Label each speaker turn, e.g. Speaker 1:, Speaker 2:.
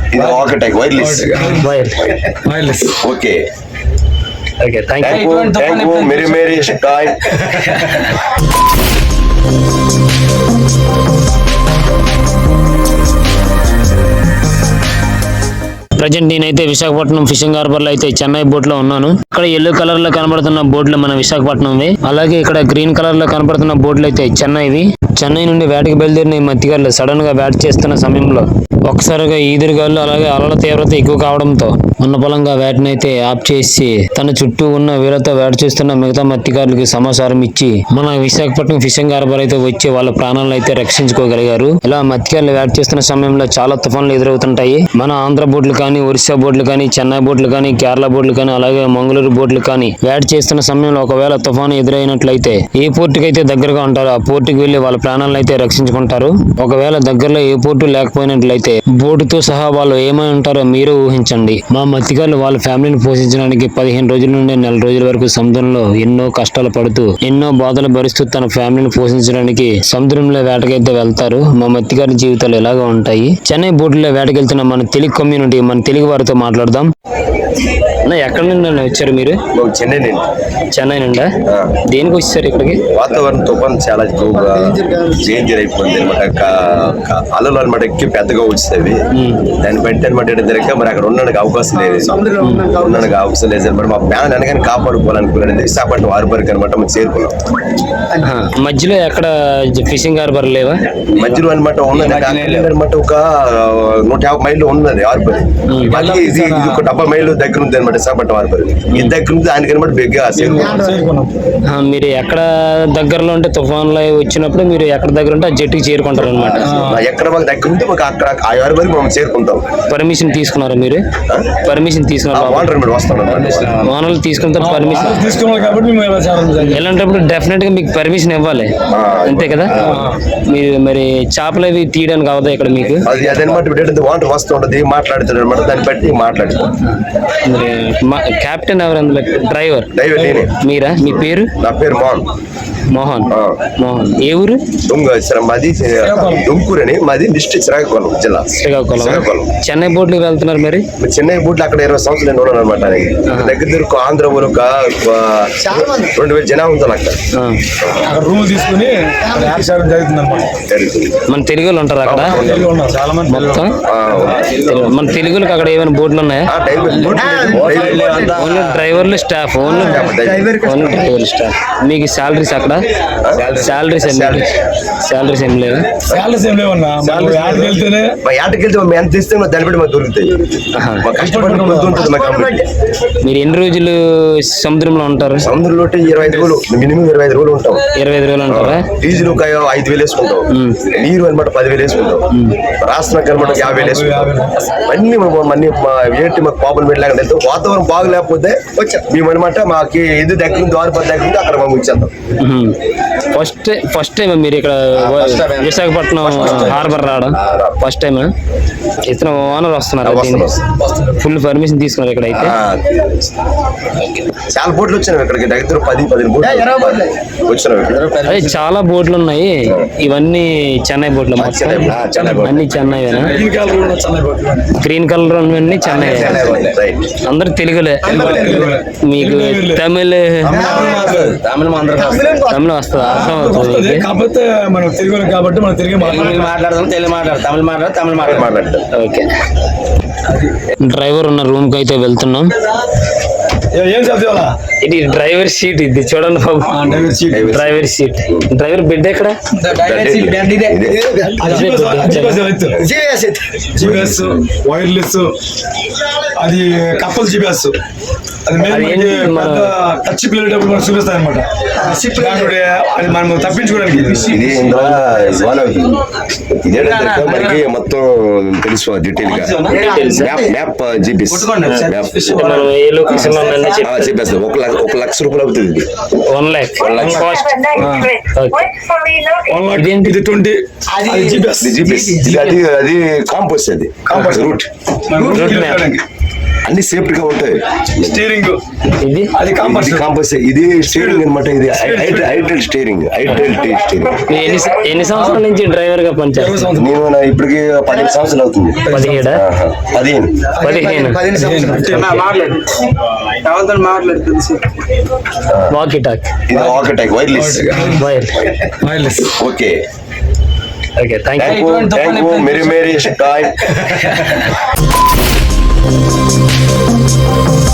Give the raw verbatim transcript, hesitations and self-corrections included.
Speaker 1: ఇది ఒకటే wireless
Speaker 2: wire
Speaker 3: wireless.
Speaker 1: Okay
Speaker 2: okay thank you
Speaker 1: thank you మేరీ మేరీ స్టాయ్.
Speaker 2: ప్రజెంట్ నేనైతే విశాఖపట్నం ఫిషింగ్ హార్బర్ లో అయితే చెన్నై బోట్ లో ఉన్నాను. ఇక్కడ ఎల్లో కలర్ లో కనబడుతున్న బోట్లు మన విశాఖపట్నంవి. అలాగే ఇక్కడ గ్రీన్ కలర్ లో కనబడుతున్న బోట్లు అయితే చెన్నైవి. చెన్నై నుండి వేటకి బయలుదేరిన ఈ మత్స్యకారులు సడన్ గా వేట చేస్తున్న సమయంలో ఒక్కసారిగా ఈదురుగాలు అలాగే అలల తీవ్రత ఎక్కువ కావడంతో ఉన్న పొలంగా వేటని అయితే ఆఫ్ చేసి తన చుట్టూ ఉన్న వీళ్ళతో వేట చేస్తున్న మిగతా మత్స్యకారులకి సమాచారం ఇచ్చి మన విశాఖపట్నం ఫిషింగ్ హార్బర్ అయితే వచ్చి వాళ్ళ ప్రాణాలను అయితే రక్షించుకోగలిగారు. ఇలా మత్స్యకారులు వేట చేస్తున్న సమయంలో చాలా తుఫాన్లు ఎదురవుతుంటాయి. మన ఆంధ్ర బోట్లు కానీ, ఒరిస్సా బోట్లు కానీ, చెన్నై బోట్లు కానీ, కేరళ బోట్లు కానీ, అలాగే మంగళూరు బోట్లు కానీ వేట చేస్తున్న సమయంలో ఒకవేళ తుఫాను ఎదురైనట్లయితే ఏ పోర్టుకి అయితే దగ్గరగా ఉంటారో ఆ పోర్టుకి వెళ్లి వాళ్ళ ప్రాణాలను అయితే రక్షించుకుంటారు. ఒకవేళ దగ్గరలో ఏ పోర్టు లేకపోయినట్లయితే బోటుతో సహా వాళ్ళు ఏమై ఉంటారో మీరు ఊహించండి. మా మత్స్యకారులు వాళ్ళ ఫ్యామిలీని పోషించడానికి పదిహేను రోజుల నుండి నెల రోజుల వరకు సముద్రంలో ఎన్నో కష్టాలు పడుతూ ఎన్నో బాధలు భరిస్తూ తన ఫ్యామిలీని పోషించడానికి సముద్రంలో వేటకైతే వెళ్తారు. మా మత్స్యకారుల జీవితాలు ఎలాగా ఉంటాయి. చెన్నై బోటులో వేటకెళ్తున్న మన తెలుగు కమ్యూనిటీ, మన తెలుగు వారితో మాట్లాడదాం. ఎక్కడి నుండి వచ్చారు మీరు?
Speaker 1: చెన్నై నుండి.
Speaker 2: చెన్నై నుండా? దేనికి వచ్చారు ఇక్కడికి?
Speaker 1: వాతావరణం తుఫాన్ చాలా ఎక్కువగా డేంజర్ అయిపోయింది అనమాట. అలలు అనమాట ఎక్కి పెద్దగా వచ్చేవి. దాన్ని బట్టి అనమాట జరిగితే మరి అక్కడ ఉండడానికి అవకాశం లేదు ఉండడానికి అవకాశం లేదు అనమాట. మా ప్లాన్ అనగానే కాపాడుకోవాలనుకున్నాను. విశాఖపట్నం హార్బర్కి అనమాట మనం చేరుకున్నాం.
Speaker 2: మధ్యలో ఎక్కడ ఫిషింగ్ హార్బర్ లేవా?
Speaker 1: మధ్యలో అనమాట ఉన్నది అనమాట. ఒక నూట యాభై మైళ్ళు ఉన్నది హార్బర్. మళ్ళీ ఇది ఒక డెబ్బై మైళ్ళు దగ్గర ఉంది అనమాట విశాఖపట్నం హార్బర్. ఇది దగ్గర ఉంది దానికి అనమాట బిగ్గా చేరుకున్నాం.
Speaker 2: మీరు ఎక్కడ దగ్గరలో ఉంటే తుఫాన్లు వచ్చినప్పుడు మీరు ఎక్కడ దగ్గర ఉంటే ఆ జట్టుకి చేరుకుంటారు అనమాట.
Speaker 1: ఎక్కడ మాకు దగ్గర ఉంటే మాకు అక్కడ ఆ హార్బర్ మనం చేరుకుంటాం.
Speaker 2: పర్మిషన్ తీసుకున్నారా మీరు? పర్మిషన్ తీసుకున్నారు?
Speaker 1: వాటర్ వస్తాం
Speaker 2: వానలు తీసుకుంటారు, పర్మిషన్
Speaker 3: తీసుకున్నారు కాబట్టి
Speaker 2: ఎలాంటప్పుడు డెఫినెట్ గా మీకు పర్మిషన్ ఇవ్వాలి, అంతే కదా? మీరు మరి చేపలు అవి తీయడానికి అవదా ఇక్కడ మీకు?
Speaker 1: అదనమాట. వాటర్ వస్తూ ఉంటుంది, మాట్లాడుతాడు అనమాట. దాన్ని బట్టి మాట్లాడుతాం.
Speaker 2: మరి కెప్టెన్ ఎవరు అందులో? డ్రైవర్?
Speaker 1: డ్రైవర్ నేనే.
Speaker 2: మీరా? మీ పేరు?
Speaker 1: నా పేరు మోహన్.
Speaker 2: మోహన్. మోహన్ ఏ ఊరు?
Speaker 1: మాది దుంకూరు అని. మాది డిస్ట్రిక్ట్ శ్రీకాకుళం జిల్లా.
Speaker 2: శ్రీకాకుళం. చెన్నై బోట్లకు వెళ్తున్నారు మరి?
Speaker 1: చెన్నై బోట్లు అక్కడ ఇరవై సంవత్సరాలు నేను ఉన్నాను అనమాట. దగ్గర దగ్గర ఆంధ్ర ఊరు రెండు వేల జనాభా ఉంటుంది అక్కడ.
Speaker 3: అక్కడ రూమ్ తీసుకుని జరుగుతుంది అనమాట.
Speaker 2: మన తెలుగులో ఉంటారు అక్కడ
Speaker 3: చాలా మంది
Speaker 2: మొత్తం. మన తెలుగులకు అక్కడ ఏమైనా బోట్లు ఉన్నాయా? ఓన్లీ డ్రైవర్లు, staff? Only only driver staff. మీకు శాలరీస్ అక్కడ? శాలరీస్ శాలరీస్ ఏం లేవా?
Speaker 3: శాలరీస్ ఏం లేవన్నా. వెళ్తేనే
Speaker 1: యాటకి వెళ్తే మేము ఎంత ఇస్తే దాన్ని బట్టి మాకు దొరుకుతాయి.
Speaker 2: మీరు ఎన్ని రోజులు సముద్రంలో ఉంటారు?
Speaker 1: సముద్రంలో ఇరవై ఐదు రోజులు మినిమం ఇరవై ఐదు రోజులు ఉంటాం.
Speaker 2: ఇరవై ఐదు రోజులు ఉంటారా?
Speaker 1: డీజిల్ ఒక ఐదు వేలు వేసుకుంటాం. నీరు అనమాట పదివేలు వేసుకుంటాం. రాష్ట్రానికి అనమాట యాభై వేలు వేసుకుంటాం. అన్ని అన్ని ఏంటి మాకు పాపలు పెట్టలేక వెళ్తాం. వాతావరణం బాగలేకపోతే మేము అనమాట మాకు ఇది దగ్గర ద్వారపతి దగ్గర ఉంది అక్కడ మేము ఇచ్చేద్దాం.
Speaker 2: ఫస్ట్ ఫస్ట్ టైం మీరు ఇక్కడ విశాఖపట్నం హార్బర్ రావడం? First time. ఇతను ఓనర్ వస్తున్నారు, ఫుల్ పర్మిషన్ తీసుకున్నారు ఇక్కడ అయితే?
Speaker 1: చాలా బోట్లు వచ్చినాయి ఇక్కడికి. దగ్గర పది పదిహేను బోట్లు వచ్చినాయి.
Speaker 2: అదే చాలా బోట్లు ఉన్నాయి. ఇవన్నీ చెన్నై బోట్లు అన్ని చెన్నై. గ్రీన్ కలర్ అన్ని చెన్నై. అందరు తెలుగులే. మీకు తమిళ తమిళ వస్తుంది, అర్థం అవుతుంది.
Speaker 3: కాకపోతే మనం తెలుగు కాబట్టి మనం తెలుగు
Speaker 2: మాట్లాడదాం. తెలుగు మాట్లాడతాం, తమిళ మాట్లాడతాం, తమిళ మాట్లాడతాం. ఓకే. డ్రైవర్ ఉన్న రూమ్ కి అయితే వెళ్తున్నాం. ఇది డ్రైవర్ సీట్. ఇది చూడండి బాబు, డ్రైవర్ సీట్. డ్రైవర్ బెడ్ ఎక్కడ?
Speaker 3: జిపిఎస్ వైర్లెస్, అది కప్పల్ జిపిఎస్. టచ్ పిల్లేటప్పుడు మనం చూపిస్తాయి అనమాట. అది మనం తప్పించుకోవడానికి.
Speaker 1: మనకి మొత్తం తెలుసు డీటెయిల్ గా. మ్యాప్ జీపీఎస్ చెప్పేస్తాం. ఒక ఒక లక్ష రూపాయలు అవుతుంది.
Speaker 2: One lakh
Speaker 1: one lakh cost.
Speaker 3: ఇది ట్వంటీ జీపీఎస్.
Speaker 1: జీపీఎస్ అది అది కాంపోస్ట్. అది రూట్ అన్ని సేఫ్టీ గా ఉంటాయి.
Speaker 3: స్టీరింగ్
Speaker 2: ఇది
Speaker 3: అది కాంపస్
Speaker 1: కాంపస్ ఇది స్టీరింగ్ అనమాట. ఇది ఐటెల్ స్టీరింగ్ ఐటెల్ స్టీరింగ్.
Speaker 2: మీరు ఎన్ని ఎన్ని సంవత్సరాల నుంచి డ్రైవర్ గా పనిచేస్తారు?
Speaker 1: నేను నా ఇప్పటికి పదిహేను సంవత్సరాలు అవుతుంది.
Speaker 2: పదిహేడా?
Speaker 1: ఆహా. పదిహేను
Speaker 2: పదిహేను. వాకీ టాక్
Speaker 1: ఇది ఒకటే wireless.
Speaker 2: Wire.
Speaker 3: Wireless.
Speaker 1: Okay
Speaker 2: okay, thank you.
Speaker 1: Thank you thank you మేరీ మేరీ టాయ్.